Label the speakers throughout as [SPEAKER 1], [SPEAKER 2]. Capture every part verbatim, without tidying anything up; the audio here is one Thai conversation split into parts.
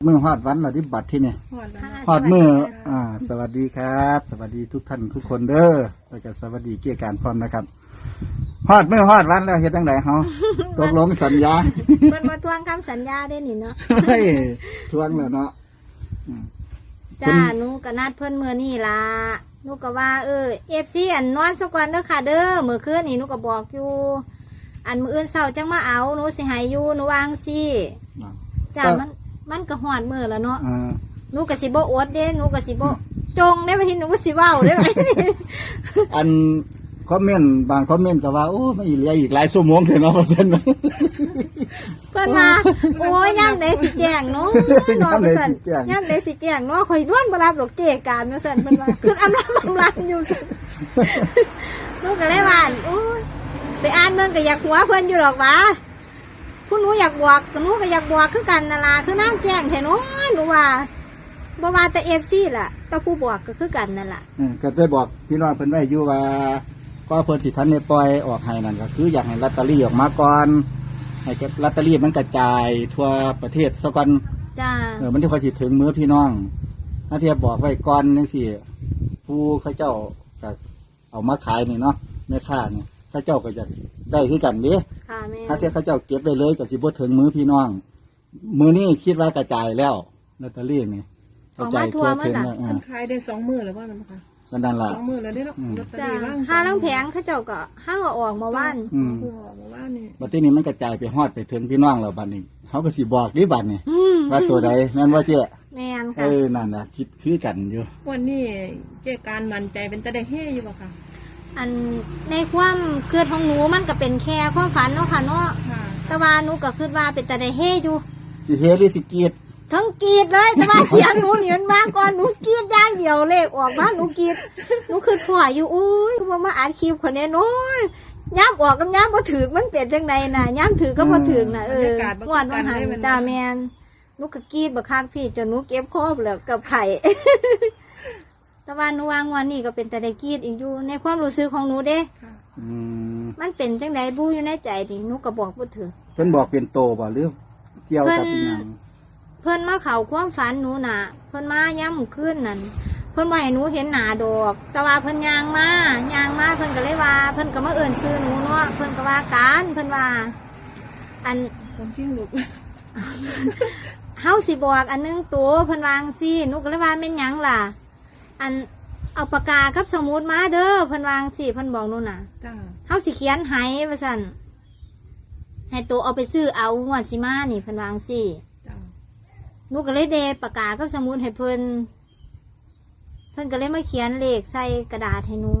[SPEAKER 1] มือฮอดวันเราที่บัตรที่นี่ฮอดมืออ่า สวัสดีครับ สวัสดีทุกท่านทุกคนเด้อแล้วก็สวัสดีเกี่ยการพร้อมนะครับฮอดมือฮอดวันแล้วเฮ็ดจังไดเฮาตกลงสัญญา
[SPEAKER 2] เพิ่นมาทวงคำสัญญาได้นี่เนาะ
[SPEAKER 1] เฮ้ยทวงแล้วเนาะ
[SPEAKER 2] จ้าหนูก็นัดเพิ่นมื้อนี้ล่ะหนูก็ว่าเออ เอฟ ซี อันนอนซะก่อนเด้อค่ะเด้อมื้อคืนนี่หนูก็บอกอยู่อันมื้ออื่นเช้าจังมาเอาหนูสิให้อยู่หนูวางซี่จ้ามันมันก็ฮอดมื้อแล้วเนาะหนูก็สิบ่อดเด้หนูก็สิบ่จงได้ว่าที่หนูก็สิเว้าเด้
[SPEAKER 1] อันคอมเมนต์บางคอมเมนต์ก็ว่าโอ้ไม่เหลืออีกหลายชั่วโมงเถอะเนาะว่าซั่น
[SPEAKER 2] เพิ่นมาโอ้ยยามใดสิแจ้งเนาะเนาะว่าซั่นยามใดสิแจ้งเนาะข่อยด้วนบ่รับดอกเจการว่าซั่นเพิ่นว่าคืออำลาอำลาอยู่ซั่นหนูก็เลยว่าโอ้ยไปอ่านเบิ่งก็อยากหัวเพิ่นอยู่ดอกว่าผู้หนูอยากบวกหนูก็อยากบวกคือกันนั่นล่ะคือนางแจ้งแท้เนาะหนูว่าบ่ว่าแต่ เอฟ ซี ล่ะแต่ผู้บวกก็คือกันนั่นล่ะ
[SPEAKER 1] อือก็ได้บอกพี่น้องเพิ่นไว้อยู่ว่าก็เพิ่นสิทันได้ปล่อยออกให้นั่นก็คืออยากให้ลอตเตอรี่ออกมาก่อนให้ลอตเตอรี่มันกระจายทั่วประเทศซะก่อน
[SPEAKER 2] จ้า
[SPEAKER 1] เออมันที่ค่อยสิถึงมือพี่น้องถ้าเทียบบอกไว้ก่อนจังซี่ผู้เขาเจ้าก็เอามาขายนี่เนาะแม่ค้านี่เขาเจ้าก็จะได้คือกันเด้
[SPEAKER 2] ค่ะแม่
[SPEAKER 1] ถ้าเทียบเขาเจ้าเก็บไว้เลยก็สิบ่ถึงมือพี่น้องมื้อนี้คิดว่ากระจายแล้วลอตเตอรี่นี่
[SPEAKER 2] กระจายทั่วถึงแล้ว
[SPEAKER 3] มันขายได้สองมื้อแล้วว่ามันค่ะ
[SPEAKER 1] ก็นั่นล่ะ
[SPEAKER 3] สองมื้อแล้วได้เนาะลอตเตอรี่ว่าง
[SPEAKER 2] ห้าลังแผงเขาเจ้าก็ห้างเอาออกมาว่าน
[SPEAKER 1] อืม
[SPEAKER 3] คือออกมาว่านนี่
[SPEAKER 1] บัดนี้มันกระจายไปฮอดไปถึงพี่น้องแล้วบัดนี้เขาก็สิบอกดิบัดนี้ว่าตัวใดแม่นว่าเจ๊
[SPEAKER 2] แม่นค่ะ
[SPEAKER 1] เออนั่นน่ะคิดคือกันอยู่
[SPEAKER 3] วันนี้เจ๊การมั่นใจเป็นตาได้เฮอยู่บ่ค่ะ
[SPEAKER 2] อันในความเกิดของหนูมันก็เป็นแค่ความฝันเนาะค่ะเนาะแต่ว่าหนูก็คิดว่าเป็นตาได้เฮอยู่
[SPEAKER 1] สิเฮหรือสิกีด
[SPEAKER 2] ทั้งกีดเลยแต่ว่าเสียงหนูเหนียนมากก่อนหนูกีดย่างเดียวเลขออกมาหนูกีดหนูคือพ่ออยู่อุ้ยว่ามาอ่านคลิปคนนี้น้อยย้ำออกกับย้ำบ่ถือมันเปลี่ยนจังไดน่ะย้ำถือก็บ่ถือน่ะเอองวดวันหันจ้าแมนหนูก็กีดบักคักพี่จนหนูเก็บคอเปลือกกับไข่แต่ว่าหนูวางวันนี้ก็เป็นแต่ได้กีดอีกอยู่ในความรู้สึกของหนูเด้มันเป็นจังไดบู้อยู่ในใจดิหนูก็บอกบ่ถือ
[SPEAKER 1] เพิ่นบอกเป็นโตบ่หรือเกี่ยวกับอีหยัง
[SPEAKER 2] เพิ่นมาเข้าความฝันหนูน่ะเพิ่นมาย้ำขึ้นนั่นเพิ่นบ่ให้หนูเห็นหน้าดอกแต่ว่าเพิ่นย่างมาย่างมาเพิ่นก็เลยว่าเพิ่นก็มาเอิ้นชื่อหนูเนาะเพิ่นก็ว่าการเพิ่นว่าอัน
[SPEAKER 3] ผมกิ้งลูก
[SPEAKER 2] เฮาสิบอกอันนึงตัวเพิ่นวาจั่งซี่หนูก็เลยว่าแม่นหยังล่ะอันเอาปากกากับสมุดมาเด้อเพิ่นวาจั่งซี่เพิ่นบอกหนูน่ะจ้าเฮาสิเขียนให้ว่าซั่นให้ตัวเอาไปซื้อเอางวดสิมานี่เพิ่นวาจั่งซี่หนูก็เลยเดปากกากับสมุดให้เพิ่นเพิ่นก็เลยมาเขียนเลขใส่กระดาษให้หนู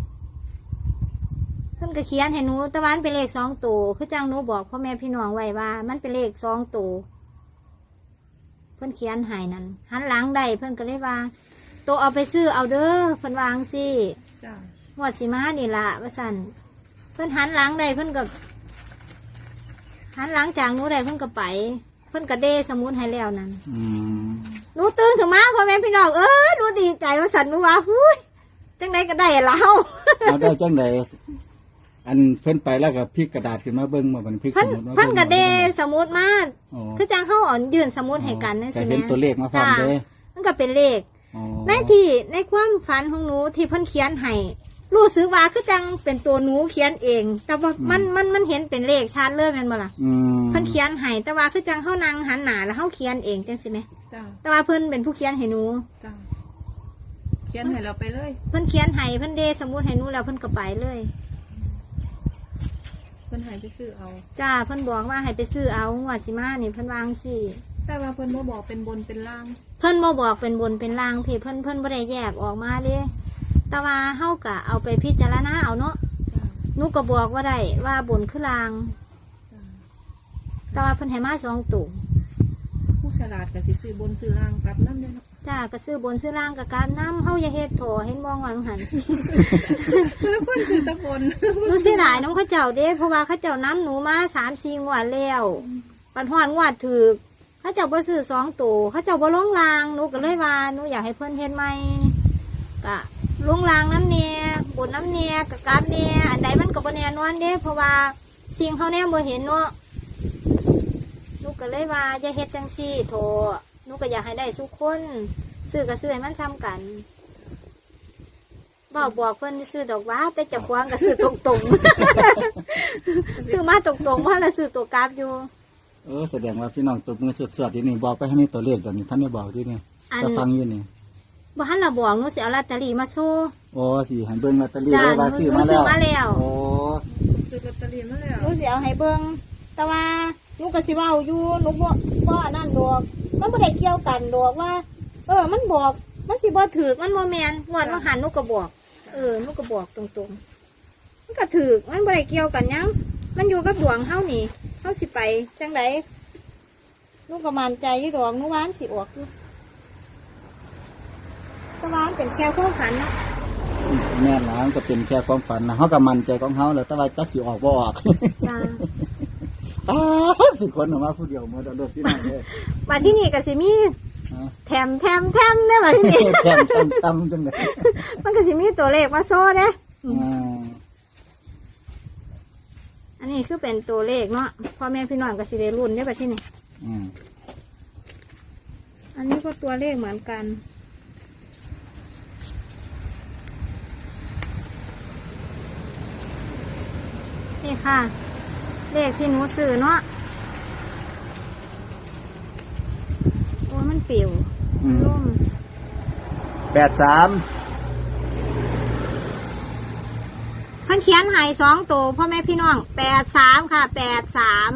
[SPEAKER 2] เพิ่นก็เขียนให้หนูตะวันเป็นเลขสองตัวคือจังหนูบอกพ่อแม่พี่น้องไว้ว่ามันเป็นเลขสองตัวเพิ่นเขียนให้นั่นหันหลังได้เพิ่นก็เลยว่าตัวเอาไปซื้อเอาเด้อเพิ่นวางสิงวดสิมานี่ล่ะว่าสั่นเพิ่นหันหลังได้เพิ่นก็หันหลังจากหนูได้เพิ่นก็ไปเพิ่นกระเดสมุนให้แล้วนั่นหนูตื่นขึ้นมาพ่อแม่พี่น้องเออหนูดีใจว่าสันหนูว่าหุ้ยจังไดก็ได้แล้ว
[SPEAKER 1] เอาได้จังไดอันเพิ่นไปแล้วก็พลิกกระดาษขึ้นมาเบิ่งมาบันพลิกสมุดมา
[SPEAKER 2] เพิ่นกระเดสมุดมาคือจังเฮาอ่อนยื่นสมุดให้กันนั่นสิแม่
[SPEAKER 1] เห็นตัวเลขมาพร้อมเด้
[SPEAKER 2] มันก็เป็นเลขในที่ในความฝันของหนูที่เพิ่นเขียนให้รู้สึกว่าคือจังเป็นตัวหนูเขียนเองแต่ว่ามันมันมันเห็นเป็นเลขชัดเลยแม่นบ่ล่ะเพิ่นเขียนให้แต่ว่าคือจังเฮานั่งหันหน้าแล้วเฮาเขียนเองจังซี่แม่จ้าแต่ว่าเพิ่นเป็นผู้เขียนให้หนูจ้า
[SPEAKER 3] เขียนให้เราไปเลย
[SPEAKER 2] เพิ่นเขียนให้เพิ่นเดสมุดให้หนูแล้วเพิ่นก็ไปเลย
[SPEAKER 3] เพิ่นให้ไปซื้อเอา
[SPEAKER 2] จ้าเพิ่นบอกว่าให้ไปซื้อเอางวดสิมานี่เพิ่นวางสิ
[SPEAKER 3] แต่ว่าเพิ่นบ่บอกเป็นบนเป็นล่าง
[SPEAKER 2] เพิ่นบ่บอกเป็นบนเป็นล่างพี่เพิ่นเพิ่นบ่ได้แยกออกมาเด้แต่ว่าเฮาก็เอาไปพิจารณาเอาเนาะหนูก็บอกว่าได้ว่าบนคือล่างแต่ว่าเพิ่นให้มาสองตุ่ม
[SPEAKER 3] ผู้ฉลาดก็สิซื้อบนซื้อล่างกลับนำเด้เนาะ
[SPEAKER 2] จ้าก็ซื้อบนซื้อล่างกับการนำเฮาอย่าเฮ็ดโถเห็นบ่งอนหัน
[SPEAKER 3] แล้วเพิ่นซื้อตะบน
[SPEAKER 2] หนูสิหลายน้องเขาเจ้าเด้เพราะว่าเขาเจ้านำหนูมา สามสี่ งวดแล้วปันฮอดงวดถูกเขาเจ้าบ่ซื้อสองตุ่มเขาเจ้าบ่ลงล่างหนูก็เลยว่าหนูอยากให้เพิ่นเฮ็ดใหม่ก็ลงรางน้ำเนียบนน้ำเนียกับกาบเนียอันใดมันก็บ่แน่นอนเด้เพราะว่าสิ่งเขาแน่บ่เห็นเนาะลูกก็เลยว่าจะเฮ็ดจังซี่โถหนูก็อยากให้ได้ทุกคนซื้อก็ซื้อให้มันซ้ำกันบอกบอกเพิ่นซื้อดอกว่าแต่เจะควงก็ซื้อตรงๆ ซื้อมาตรงๆเพราะเราซื้อตัวกราฟอยู่
[SPEAKER 1] เออแสดงว่าพี่น้องตบมือสวดๆที่นี่บอกไปให้นี่ตัวเลขแบบนี้ท่านไม่บอกที่นี่
[SPEAKER 2] อัน
[SPEAKER 1] จะฟังอยู่นี่
[SPEAKER 2] บ่ทันเราบอกหนูสิเอาลอตเตอรี่มาโชว์
[SPEAKER 1] โอ้สิให้เบิ่งลอตเตอรี่
[SPEAKER 2] จ้ะ
[SPEAKER 1] ไว้ว่าซื้อมา
[SPEAKER 2] หนูซื้
[SPEAKER 1] แล้
[SPEAKER 2] อ
[SPEAKER 1] ว
[SPEAKER 2] มาแล้ว
[SPEAKER 1] โอ้
[SPEAKER 3] ซื้อลอตเตอรี่มาแล้ว
[SPEAKER 2] หนูสิเอาให้เบิ่งแต่ว่าหนูก็สิเว้าอยู่หนูบ่บ่อันนั้นดอกมันบ่ได้เกี่ยวกันดอกว่า เออ มันบอกมันสิบ่ถูกมันบ่แม่นงวดว่าหันหนูก็บอก เออหนูก็บอกตรงๆมันก็ถูกมันบ่ได้เกี่ยวกันหยังมันอยู่กับดวงเฮานี่เฮาสิไปจังไดหนูก็มั่นใจอยู่ดอกหนูว่ามันสิออกอยู่แต่ว่ามันเป็นแค่ความฝันเนาะ
[SPEAKER 1] แม่นหลานก็เป็นแค่ความฝันนะเฮาก็มั่นใจของเฮาแล้วแต่ว่าจักสิออกบ่ออก
[SPEAKER 2] จ้า
[SPEAKER 1] ตาสิคนออกมาผู้เดียวหมดเอาเด้อพี่น้องเด้อ
[SPEAKER 2] มาที่นี่ก็สิมี
[SPEAKER 1] ฮะ
[SPEAKER 2] แถมแถมแถมเด้อมาที่นี่
[SPEAKER 1] แค่ตั้มตั้มจังได๋
[SPEAKER 2] มันก็สิมีตัวเลขมาโซ่เด้
[SPEAKER 1] อ่า
[SPEAKER 2] อันนี้คือเป็นตัวเลขเนาะพ่อแม่พี่น้องก็สิได้รุ่นได้อบัดที่นี่
[SPEAKER 1] อืม
[SPEAKER 2] อันนี้ก็ตัวเลขเหมือนกัน นี่ค่ะ เลขที่หนูซื้อเนาะโอ้ยมันปิว
[SPEAKER 1] อืม
[SPEAKER 2] ร่ม
[SPEAKER 1] แปดสาม
[SPEAKER 2] เพิ่นเขียนให้สองตัวพ่อแม่พี่น้องแปดสามค่ะแปดสาม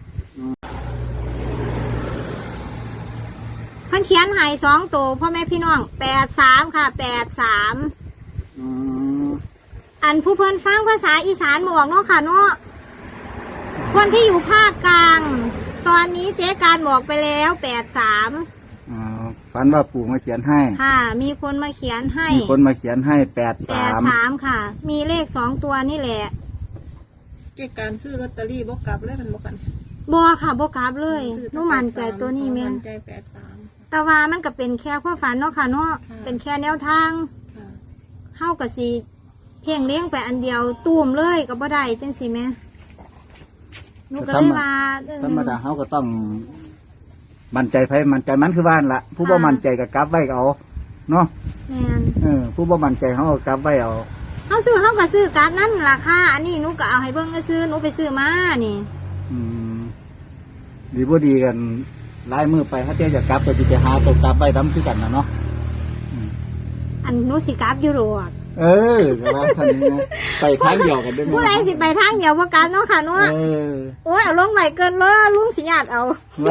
[SPEAKER 2] เพิ่นเขียนให้สองตัวพ่อแม่พี่น้องแปดสามค่ะแปดสาม
[SPEAKER 1] อืม
[SPEAKER 2] อันผู้เพิ่นฟังภาษาอีสานบอกเนาะค่ะเนาะคนที่อยู่ภาคกลาง ตอนนี้เจ๊การบอกไปแล้วแปดสาม
[SPEAKER 1] อ่าฝันว่าปู่มาเขียนให้
[SPEAKER 2] ค่ะ มีคนมาเขียนให้
[SPEAKER 1] มีคนมาเขียนให้แปด
[SPEAKER 2] แป
[SPEAKER 1] สา
[SPEAKER 2] ด
[SPEAKER 1] ม
[SPEAKER 2] สามค่ะ มีเลขสองตัวนี่แหละ
[SPEAKER 3] เกี่ยวกับการซื้อลอตเตอรี่บ่กลับเลยมันบ่กัน
[SPEAKER 2] บัวค่ะบกราบเลยหนูมั่นใจตัวนี้แม่
[SPEAKER 3] มั่นใจแปดสาม
[SPEAKER 2] แต่ว่ามันก็เป็นแค่ความฝันเนาะค่ะเนาะ
[SPEAKER 3] ค่ะ
[SPEAKER 2] เป็นแค่แนวทาง
[SPEAKER 3] ค่ะ
[SPEAKER 2] เฮากับสีเพียงเลี้ยงไปอันเดียวตูมเลยก็บ่ได้จังสิแม่หนูก็เลยว่าเออ
[SPEAKER 1] ธรรมดาเขาก็ต้อง มั่นใจไผมั่นใจมันคือบ้านละผู้บ่
[SPEAKER 2] ค่ะ
[SPEAKER 1] มั่นใจก็กลับไว้ก็เอาเนาะ
[SPEAKER 2] แม่น
[SPEAKER 1] เออผู้บ่มั่นใจเขาก็กลับไว้เอา
[SPEAKER 2] เฮาซื้อเฮาก็ซื้อกราฟนั่นราคาอันนี้หนูก็เอาให้เบิ่งก็ซื้อหนูไปซื้อมานี่
[SPEAKER 1] อืมดีบ่ดีกันลายมือไปถ้าเจ๊จะกลับก็สิไปหาตัวกลับไว้นํคือกันนะเนาะอืม
[SPEAKER 2] อันหนูสิกราฟอยู่หรอก
[SPEAKER 1] เออก็ว่าท่านนี้นะไปทางเดียวกันได้ไหม
[SPEAKER 2] ผู้ใดสิไปทางเดียวบ่กราฟเนาะค่ะเนาะ
[SPEAKER 1] เออ
[SPEAKER 2] โอ้ยเอาลงไว้เกินเลยลุงสิญาติเอา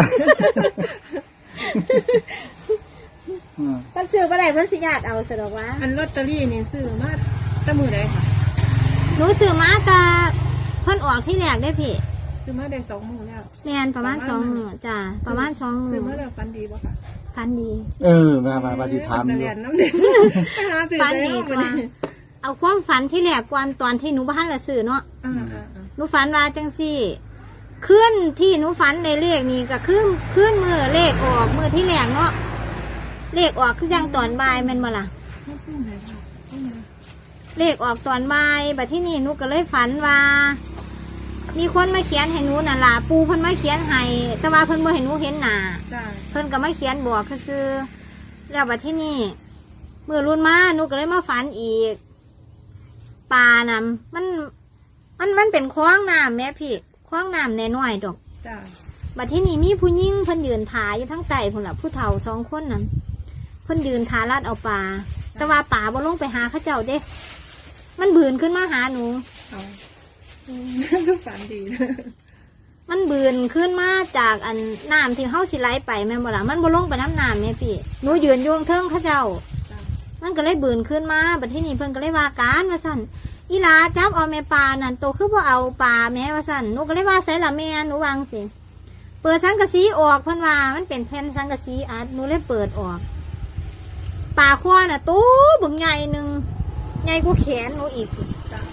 [SPEAKER 1] อืม
[SPEAKER 2] เพิ่นซื้อบ่ได้เพิ่นสิญาติเอาซะดอกว่า
[SPEAKER 3] อันลอตเตอรี่นี่ซื้อมาตั้งมือใดค่ะ
[SPEAKER 2] หนูซื้อมาแต่เพิ่นออกที่แรกได้อพี่
[SPEAKER 3] ซื้อมาได้สองมือแล้ว
[SPEAKER 2] แม่นประมาณสองมื้อจ้ะประมาณสองมื้
[SPEAKER 3] ซื้
[SPEAKER 2] อ
[SPEAKER 3] อมาแล้วฟันดีป่ะค่ะ
[SPEAKER 2] พันดี
[SPEAKER 1] เออมามามาสิถาม
[SPEAKER 3] เอ
[SPEAKER 1] อ
[SPEAKER 3] เรี
[SPEAKER 1] ยู่
[SPEAKER 3] ยนน้ำเด็กไปหาซื้อ
[SPEAKER 2] ฝัน
[SPEAKER 3] ได้
[SPEAKER 2] ดี
[SPEAKER 3] แล้ว
[SPEAKER 2] ก
[SPEAKER 3] วัน
[SPEAKER 2] ว่า
[SPEAKER 3] นี้
[SPEAKER 2] เอาความฝันที่แรกก่อนตอนที่หนูบ้านละซื้อเนาะ
[SPEAKER 3] อ่าอ่าอ่า
[SPEAKER 2] หนูฝันว่าจังซี่ขึ้นที่หนูฝันในเลขนี้ก็ขึ้นขึ้นมือเลขออกมือที่แรกเนาะเลขออกคือจังตอนบ่ายแม่นบ่ล่ะ
[SPEAKER 3] ไม่ซื้อไหนค่ะอืม
[SPEAKER 2] เลขออกตอนบ่ายบัดที่นี่หนูก็เลยฝันว่า มีคนมาเขียนให้หนูน่ะล่ะปูเพิ่นมาเขียนให้แต่ว่าเพิ่นบ่ให้หนูเห็นหน้า
[SPEAKER 3] จ้า
[SPEAKER 2] เพิ่นก็มาเขียนบอกคือๆแล้วบัดที่นี่มือรุ่นมาหนูก็เลยมาฝันอีกปลาน่ะมัน มันมันเป็นคล้องน้ำแม่พี่คล้องน้ำน้อยๆดอก
[SPEAKER 3] จ้า
[SPEAKER 2] บัดที่นี่มีผู้หญิงเพิ่นยืนถ่ายอยู่ทั้งใต้พุ่นล่ะผู้เฒ่าสองคนนั้นเพิ่นยืนทาลาดเอาปลาแต่ว่าปลาบ่ลงไปหาเขาเจ้าเด้ มันบืนขึ้นมาหาหนู
[SPEAKER 3] เอาอืมคือฝันดีนะ
[SPEAKER 2] มันบืนขึ้นมาจากอันน้ำที่เฮาสิไหลไปแม่นบ่ล่ะมันบ่ลงไปน้ำน้ำเนี่ยพี่หนูยืนอยู่เทิงเขาเจ้า
[SPEAKER 3] จ้า
[SPEAKER 2] มันก็เลยบืนขึ้นมาบัดที่นี่เพิ่นก็เลยว่าการว่าสั่นอีหลาจับเอาแม่ปลานั่นโตคือบ่เอาปลาแม่ว่าสั่นหนูก็เลยว่าใส่ละแม่หนูวางสิเปิดสังกะสีออกเพิ่นว่ามันเป็นแผ่นสังกะสีอัดหนูเลยเปิดออกปลาควาน่ะตู้บึงใหญ่หนึงใหญ่กว่าแขนหนูอีก
[SPEAKER 3] จ้าน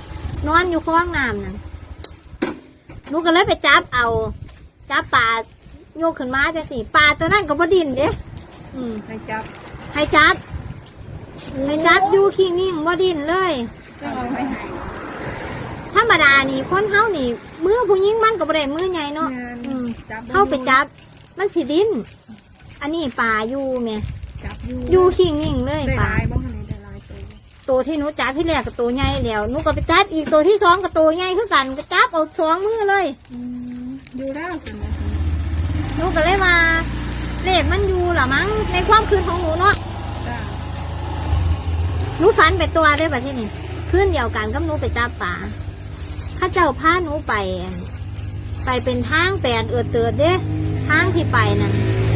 [SPEAKER 2] อนอยู่คลองน้ำนั่นหนูก็เลยไปจับเอา จับปลาโยกขึ้นมาจังสิปลาตัวนั้นก็บ่ดิ้นเด้อืม
[SPEAKER 3] ให้จับ
[SPEAKER 2] ให้จับให้จับอยู่ขี้นิ่งบ่ดิ้นเลย
[SPEAKER 3] จะเอาไปให้
[SPEAKER 2] ธรรมดานี่คนเฮานี่มือผู้หญิงมันก็บ่ได้มือใหญ่เนาะ
[SPEAKER 3] งาน
[SPEAKER 2] อืม
[SPEAKER 3] จับ
[SPEAKER 2] เข้าไปจับ มันสิดิ้นอันนี้ปลาอยู่แม่
[SPEAKER 3] จับอยู่
[SPEAKER 2] อยู่ขิงนิ่งเลย
[SPEAKER 3] ได้
[SPEAKER 2] ปลา
[SPEAKER 3] ลายบ้างคะนี่ได้ลายตัว
[SPEAKER 2] ตัวที่หนูจับที่แรกกับตัวใหญ่แล้วหนูก็ไปจับอีกตัวที่สองกับตัวใหญ่คือกันก็จับเอาสองมือเลย
[SPEAKER 3] อืมอยู่แล้วสินะ
[SPEAKER 2] หนูก็เลยว่าเลขมันอยู่หรอมั้งในความคืนของหนูเนาะ
[SPEAKER 3] จ้า
[SPEAKER 2] หนูฝันไปตัวได้ป่ะที่นี่คืนเดียวกันกับหนูไปจับปลาข้าเจ้าพาหนูไปอั่นไปเป็นทางแปดเอือดเตือดเด้ทางที่ไปนั่น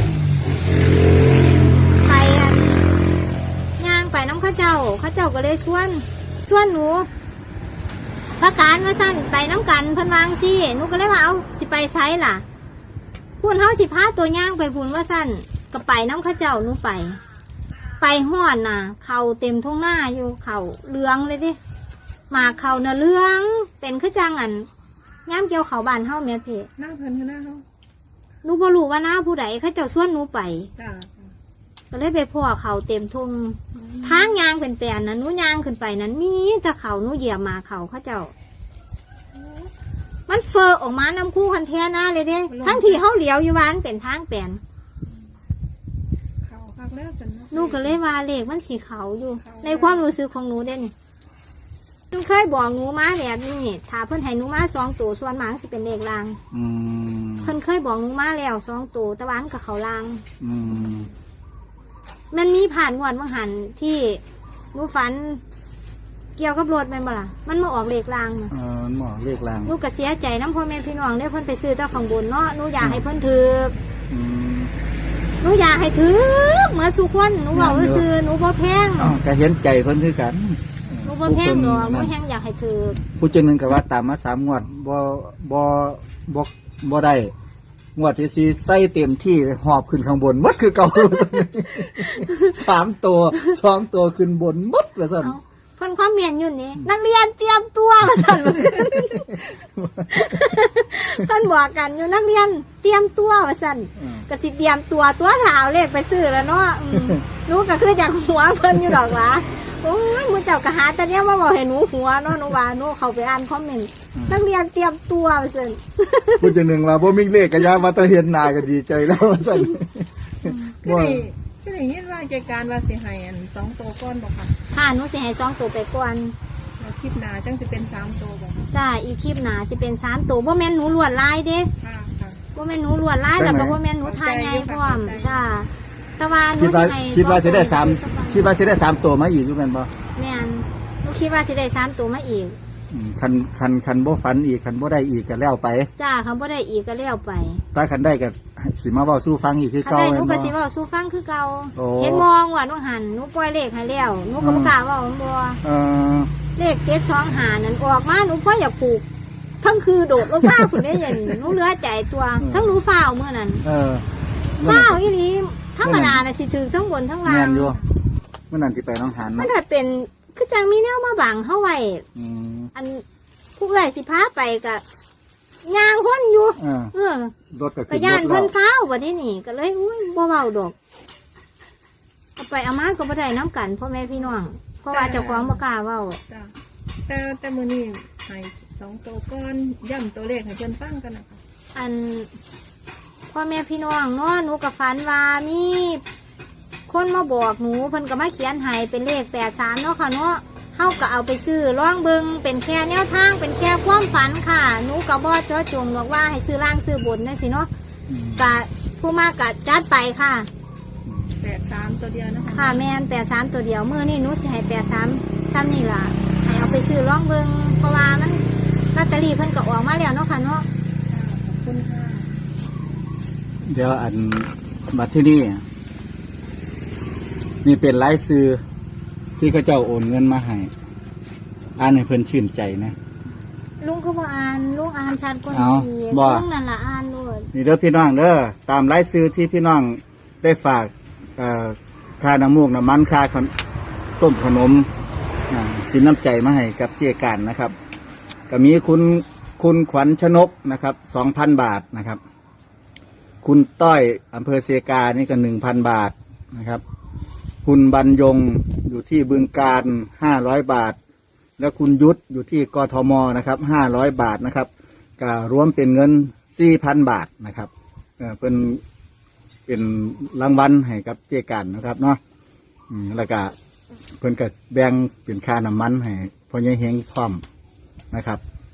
[SPEAKER 2] ไปอันย่างไปน้ำข้าเจ้าข้าเจ้าก็เลยชวนชวนหนูพระการมาสั้นไปน้ำกันเพิ่นวางสิหนูก็เลยว่าเอาสิไปไซล่ะพูนเฮาสิพาตัวย่างไปพูนว่าสั้นก็ไปน้ำข้าเจ้าหนูไป ไปห่อนน่ะ เขาเต็มทุ่งหน้าอยู่เขาเหลืองเลยดิหมากเขาน่ะเหลืองเป็นคือจังอันย่ามเกี่ยวเขาบานเฮาแม่เพ
[SPEAKER 3] หน้าเพิ่นคือหน้าเขา
[SPEAKER 2] หนูบ่รู้ว่าหน้าผู้ใดเขาเจ้าส่วนหนูไป
[SPEAKER 3] จ้า
[SPEAKER 2] ก็เลยไปพ่อเขาเต็มทุ่งทางยางเป็นแปลนนะหนูยางขึ้นไปนั้นมีแต่เขาหนูเหยียบหมาเขาเขาเจ้า มันเฟอออกมาน้ำคู่คันแท้หน้าเลยเด้ทั้งที่เฮาเหลียวอยู่บ้านเป็นทางแปลน
[SPEAKER 3] เขาคักแล้วสินะ
[SPEAKER 2] หนูก็เลยว่าเลขมันสีเขาอยู่ ในความรู้สึกของหนูเด่นหนูเคยบอกหนูมาแบบนี้ถ้าเพิ่นให้หนูมาสองตัวส่วนหมางสิเป็นเลขลาง
[SPEAKER 1] อืม
[SPEAKER 2] เพิ่นเคยบอกหนูมาแล้วสองตัวตะวันกับเขาลาง
[SPEAKER 1] อืม
[SPEAKER 2] มันมีผ่านงวดบางหันที่หนูฝัน เกี่ยวกับรถแม่นบ่ล่ะมันมาออกเลขลางน่ะ
[SPEAKER 1] เออหมอเลขลาง
[SPEAKER 2] หนูก็เสียใจน้ำพ่อแม่พี่น้องเด้เพิ่นไปซื้อเจ้าของบุญเนาะหนูอยากให้เพิ่นถือ
[SPEAKER 1] อืม
[SPEAKER 2] หนูอยากให้ถือเหมือนสุขคนหนูบอกว่าซื้อหนูบ่แพง
[SPEAKER 1] อ๋อก็เห็นใจเพิ่นคือกัน
[SPEAKER 2] หนูบ่แพงดอกหนูแฮงอยากให้ถือ
[SPEAKER 1] ผู้เจาหนึงก็ว่าตามมาสามงวดบ่บ่บ่บ่ได้งวดที่สี่ใส่เต็มที่หอบขึ้นข้างบนหมดคือเก่า สามตัวสองตัวขึ้นบนหมดละสั่น
[SPEAKER 2] เอาเพิ่นความเมียนอยู่นี่นักเรียนเตรียมตัวว่าซั่น เพิ่นบอกกันอยู่นักเรียนเตรียมตัวว่าซั่น
[SPEAKER 1] อืม
[SPEAKER 2] ก็สิเตรียมตัวตัวเท้าเลขไปซื้อแล้วเนาะอืมหนูก็คือจากหัวเพิ่นอยู่ดอกหว่าโอ้ยหมูเจ้าก็หาแต่เนี้ยมาบอกให้หนูหัวเนาะหนูว่าหนูเข้าไปอ่านคอมเมนต์นักเรียนเตรียมตัวว่าซั่น
[SPEAKER 1] ผู้เจาหนึงว่าบ่มีเลขก็ยามาแตะเห็นหน้าก็ดีใจแล้วว่าซั่น
[SPEAKER 3] ก็ได้ก็ได้ยินว่าเกี่ยวการว่าสิให้อันสองตัวก้อนบอกค่ะ
[SPEAKER 2] ค่ะหนูสิให้สองตัวไปก่อน
[SPEAKER 3] แล้วคลิปหน้าจังสิเป็นสามตัวบอกค่ะ
[SPEAKER 2] จ้าอีกคลิปหน้าสิเป็นสามตัวบ่แม่นหนูลวดลายเด้
[SPEAKER 3] ค่ะค่ะ
[SPEAKER 2] บ่แม่นหนูลวดลายแล้วก็บ่แม่นหนูทายใหญ่พร้อมจ้าแต่ว่าหนู
[SPEAKER 1] คิดว่า
[SPEAKER 2] สิให้
[SPEAKER 1] คิดว่าสิได้สาม
[SPEAKER 2] สองตัว
[SPEAKER 1] คิดว่าสิได้สามตัวมาอีกอยู่แม่นบ่
[SPEAKER 2] แม่นหนูคิดว่าสิได้สามตัวมาอีก
[SPEAKER 1] อืมคันคันคันบ่ฝันอีกคันบ่ได้อีกก็แล้วไป
[SPEAKER 2] จ้าเขาบ่ได้อีกก็แล้วไป
[SPEAKER 1] ถ้าคันได้ก็สิมาเว้าสู่ฟังอีกคือ
[SPEAKER 2] ถ้า
[SPEAKER 1] เก่า
[SPEAKER 2] ได้ห
[SPEAKER 1] แม่
[SPEAKER 2] นู
[SPEAKER 1] น
[SPEAKER 2] ก็
[SPEAKER 1] บ่
[SPEAKER 2] สิเว้าสู่ฟังคือเก่า
[SPEAKER 1] โอ้
[SPEAKER 2] เห็นมองว่าหนูหันหนูปล่อยเลขให้แล้วหนูก็บ่กล้าเว้ามันบ่
[SPEAKER 1] เออ
[SPEAKER 2] เลขเจ็ดสองห้านั่นออกมาหนูพออยากปลูกทั้งคือโดดลงมาพุ่นได้ยันหนูเหลือใจตัวทั้งหนูฟ้าวมื้อนั้น
[SPEAKER 1] เออ
[SPEAKER 2] ฟ้าวอีหลีธรรมดาน่ะสิถือทั้งบนทั้งล่า
[SPEAKER 1] แม่
[SPEAKER 2] ง
[SPEAKER 1] นอยู่เมื่อนั้นที่ไปหน้องหาน
[SPEAKER 2] มัน
[SPEAKER 1] เนาะ
[SPEAKER 2] ถ้าเป็นคือจังมีแนวมาบังเฮาไว้
[SPEAKER 1] อืม
[SPEAKER 2] อันผู้ใหญ่สิพาไปก็ย่างคนอยู่
[SPEAKER 1] เออ
[SPEAKER 2] เออ
[SPEAKER 1] รถก็
[SPEAKER 2] ก็
[SPEAKER 1] ขึ้นร
[SPEAKER 2] ย่าน
[SPEAKER 1] ถแล้
[SPEAKER 2] เพิ่
[SPEAKER 1] วน
[SPEAKER 2] ฟ้าวบัดนี้นี่ก็เลยอุ้ยบ่เว้าดอกเอาไปเอามาก็บ่ได้น้ำกันพ่อแม่พี่น้องเพราะว่าเจ้าของบ่กล้าเว้า
[SPEAKER 3] จ้าแต่แต่มื้อนี้ให้สองตัวก้อนย่ำตัวเลขให้เพิ่นฟังกันนะคะ
[SPEAKER 2] อันพ่อแม่พี่น้องเนาะหนูกับฝันว่ามีคนมาบอกหนูเพิ่นก็มาเขียนให้เป็นเลขแปดสามเนาะค่ะเนาะเฮาก็เอาไปซื้อล่องเบิงเป็นแค่แนวทางเป็นแค่ความฝันค่ะหนูก็บ่เจาะจงหรอกว่าให้ซื้อล่างซื้อบนจังซี่เนาะ
[SPEAKER 1] อืม
[SPEAKER 2] ก็ผู้มากก็จัดไปค่ะ
[SPEAKER 3] แปดสามตัวเดียวนะคะ
[SPEAKER 2] ค่ะแม่นแปดสามตัวเดียวมื้อนี้หนูสิให้แปดสามซ้ำนี่ล่ะให้เอาไปซื้อล่องเบิงเพราะว่ามันลอตเตอรี่เพิ่นก็ออกมาแล้วเนาะค่ะเนาะ
[SPEAKER 3] ขอบคุณค่ะ
[SPEAKER 1] เดี๋ยวอันบัดที่นี่นี่เป็นรายซื้อที่เขาเจ้าโอนเงินมาให้อ่านให้เพิ่นชื่นใจนะ
[SPEAKER 2] ลุงก็บ่อ่านลุงอ่านชัดกว่า
[SPEAKER 1] เอา
[SPEAKER 2] นี้
[SPEAKER 1] บ่
[SPEAKER 2] ลุงนั่นล่ะอ่านด้วย
[SPEAKER 1] นี่เด้อพี่น้องเด้อตามรายซื้อที่พี่น้องได้ฝากเอ่อค่าน้ำมูกน้ำมันค่าขนต้มขนมอ่าสินน้ำใจมาให้กับเจียการนะครับก็มีคุณคุณขวัญชนกนะครับสองพันบาทนะครับ คุณต้อยอำเภอเซกานี่ก็หนึ่งพันบาทนะครับ คุณบรรยงอยู่ที่บึงการห้าร้อยบาท แล้วคุณยุทธอยู่ที่กทมนะครับห้าร้อยบาทนะครับก็รวมเป็นเงินสี่พันบาทนะครับเออเป็นเเป็นรางวัลให้กับเจกันนะครับเนาะอืมแล้วก็เพิ่นก็แบ่งเป็นค่าน้ำมันให้พ่อใหญ่เฮงพร้อมนะครับ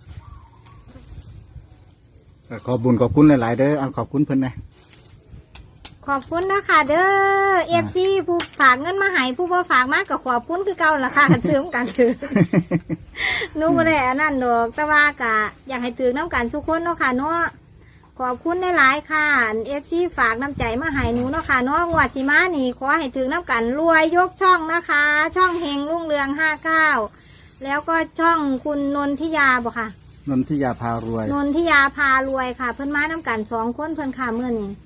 [SPEAKER 1] ก็ขอบุญขอบคุณหลายๆเด้อเอาขอบคุณเพิ่นนะ
[SPEAKER 2] ขอบคุณนะคะเด้อเอฟซีผู้ฝากเงินมาให้ผู้บ่ฝากมากก็ขอบคุณคือเก่าล่ะค่ะกันซื้อกันถือ หนูบ่ได้อันนั้นดอกแต่ว่ากะอยากให้ถือน้ำกันทุกคนเนาะค่ะเนาะขอบคุณหลายๆค่ะเอฟซีฝากน้ำใจมาให้หนูเนาะค่ะเนาะงวดสิมานี่ขอให้ถือน้ำกันรวยยกช่องนะคะ ช่องเฮงรุ่งเรืองห้าเก้าแล้วก็ช่องคุณนนทิยาบ่ค่ะ
[SPEAKER 1] นนทิยาพารวย
[SPEAKER 2] นนทิยาพารวยค่ะ เพิ่นมาน้ำกันสองคนเพิ่นค่ะเมื่อนี้